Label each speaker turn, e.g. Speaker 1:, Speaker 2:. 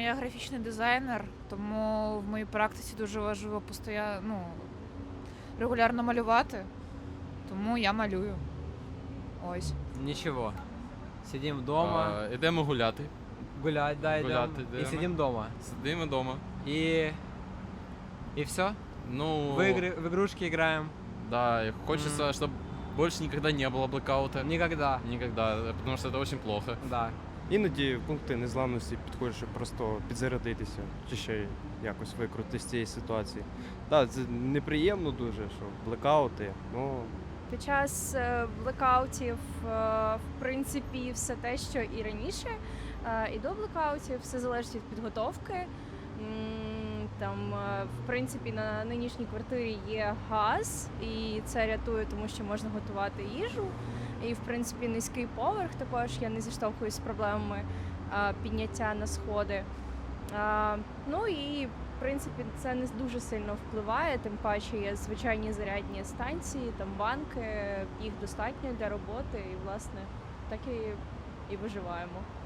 Speaker 1: я графічний дизайнер, тому в моїй практиці дуже важливо регулярно малювати, тому я малюю. Ось.
Speaker 2: Нічого. Сидимо вдома,
Speaker 3: Ідемо гуляти.
Speaker 2: гулять, да, йдемо. І
Speaker 3: йдемо.
Speaker 2: сидимо вдома.
Speaker 3: Сидимо вдома.
Speaker 2: І все?
Speaker 3: Ну,
Speaker 2: В игрушки играем?
Speaker 3: да, и хочется, чтобы больше никогда не было блэкаута.
Speaker 2: Никогда.
Speaker 3: Никогда, потому что это очень плохо.
Speaker 2: Да.
Speaker 4: Іноді в пункти незламності підходиш, щоб просто підзарядитися, чи ще якось викрутитися з цієї ситуації. Так, це неприємно дуже, що блекаути, ну
Speaker 5: Під час блекаутів, в принципі, все те, що і раніше, і до блекаутів, все залежить від підготовки. Там, в принципі, на нинішній квартирі є газ, і це рятує, тому що можна готувати їжу. І, в принципі, низький поверх також, я не зіштовхуюсь з проблемами підняття на сходи. Ну і, в принципі, це не дуже сильно впливає, тим паче є звичайні зарядні станції, там банки, їх достатньо для роботи, і, власне, так і виживаємо.